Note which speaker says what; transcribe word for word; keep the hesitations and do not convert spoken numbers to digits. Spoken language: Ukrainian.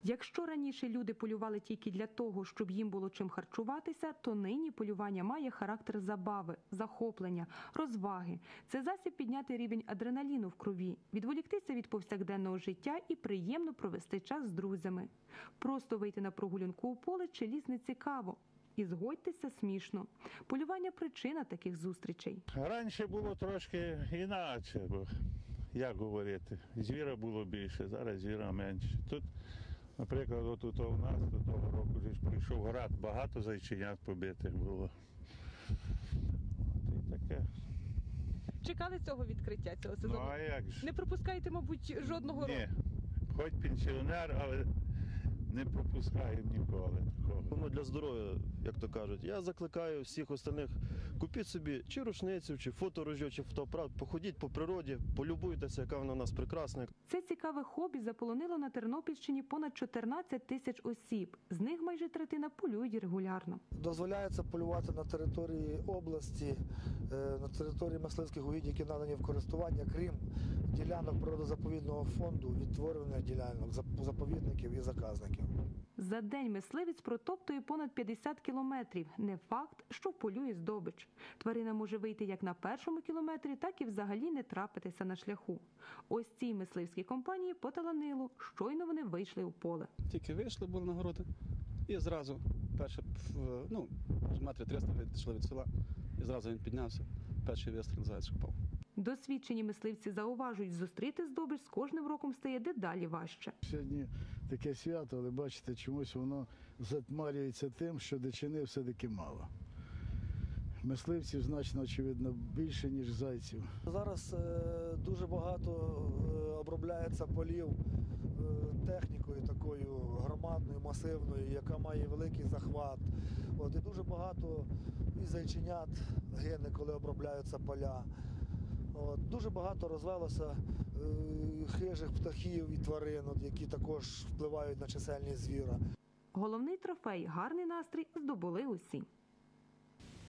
Speaker 1: Якщо раніше люди полювали тільки для того, щоб їм було чим харчуватися, то нині полювання має характер забави, захоплення, розваги. Це засіб підняти рівень адреналіну в крові, відволіктися від повсякденного життя і приємно провести час з друзями. Просто вийти на прогулянку у поле чи ліс не цікаво. І згодьтеся, смішно. Полювання – причина таких зустрічей.
Speaker 2: Раніше було трошки інакше, бо, як говорити, звіра було більше, зараз звіра менше. Тут, наприклад, отут у нас до того року вже прийшов град, багато зайченят побитих було. От і таке.
Speaker 1: Чекали цього відкриття цього сезону?
Speaker 2: Ну а як ж?
Speaker 1: Не пропускаєте, мабуть, жодного року?
Speaker 2: Ні, хоч пенсіонер, але не пропускаємо ніколи такого.
Speaker 3: Воно для здоров'я, як то кажуть. Я закликаю всіх остальних, купіть собі чи рушницю, чи фоторужьо, чи фотоапарат, походіть по природі, полюбуйтеся, яка вона у нас прекрасна.
Speaker 1: Це цікаве хобі заполонило на Тернопільщині понад чотирнадцять тисяч осіб. З них майже третина полюють регулярно.
Speaker 4: Дозволяється полювати на території області, на території мисливських угідь, які надані в користування, крім ділянок природозаповідного фонду, відтворюваних ділянок, заповідників і заказників.
Speaker 1: За день мисливець протоптує понад п'ятдесят кілометрів. Не факт, що полює здобич. Тварина може вийти як на першому кілометрі, так і взагалі не трапитися на шляху. Ось цій мисливській компанії поталанило. Щойно вони вийшли у поле.
Speaker 5: Тільки вийшли, були на городи, і зразу, перше, ну, метрів триста відійшли від села, і зразу він піднявся, перший вистріл, заяць попав.
Speaker 1: Досвідчені мисливці зауважують, зустріти здобич з кожним роком стає дедалі важче.
Speaker 6: Сьогодні таке свято, але бачите, чомусь воно затмарюється тим, що дичини все-таки мало. Мисливців значно, очевидно, більше, ніж зайців.
Speaker 4: Зараз е, дуже багато е, обробляється полів е, технікою такою громадною, масивною, яка має великий захват. От, і дуже багато і зайченят гине, коли обробляються поля. От, дуже багато розвелося е, хижих птахів і тварин, от, які також впливають на чисельність звіра.
Speaker 1: Головний трофей – гарний настрій здобули усі.